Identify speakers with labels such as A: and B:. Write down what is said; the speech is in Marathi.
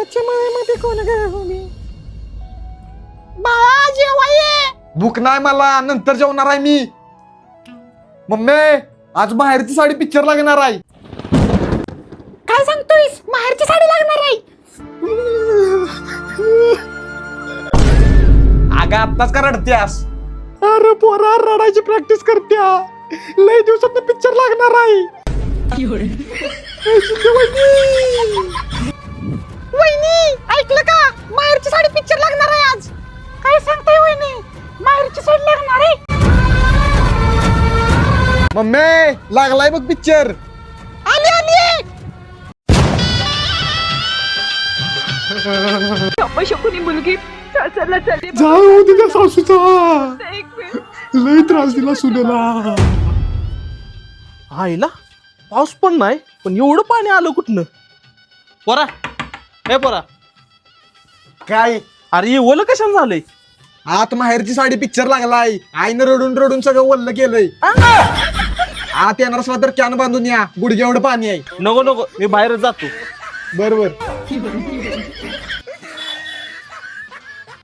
A: आंब्याच्या मळ्यामध्ये कोण गं? बाळा जेवा ये.
B: भूक नाही मला, नंतर जेवणार आहे मी. मम्मी आज बाहेरची साडी पिक्चर लागणार आहे.
A: काय सांगतोयस? माहेरची साडी लागणार आहे.
B: अगं आत्ताच का रडत्यास?
A: अरे पोरा रडायची प्रॅक्टिस करत्या. लय दिवसात पिक्चर लागणार आहे. वहिनी ऐकलं का? माहेरची साडी पिक्चर लागणार आहे आज. काय सांगताय वहिनी? माहेरची साडी लागणार आहे.
B: मम्मी लागलाय बघ पिक्चर.
A: आली आली.
C: शकुनी मुलगी सासरला चालली.
A: जाऊ तुझ्या सासूचा.
C: एक मिनिट.
A: लय त्रास दिला सुनेला.
D: आईला पाऊस पण नाही, पण एवढं पाणी आलं कुठनं? पोरा हे पोरा,
B: काय
D: अरे हे ओलं कशाने झालंय?
B: आत माहेरची साडी पिक्चर लागलाय. आईनं रडून रडून सगळं वल्ल केलंय. आत येणार असला तर कॅन बांधून या, गुडघे एवढं पाणी आहे.
D: नको नको, मी बाहेरच जातो.
B: बरोबर.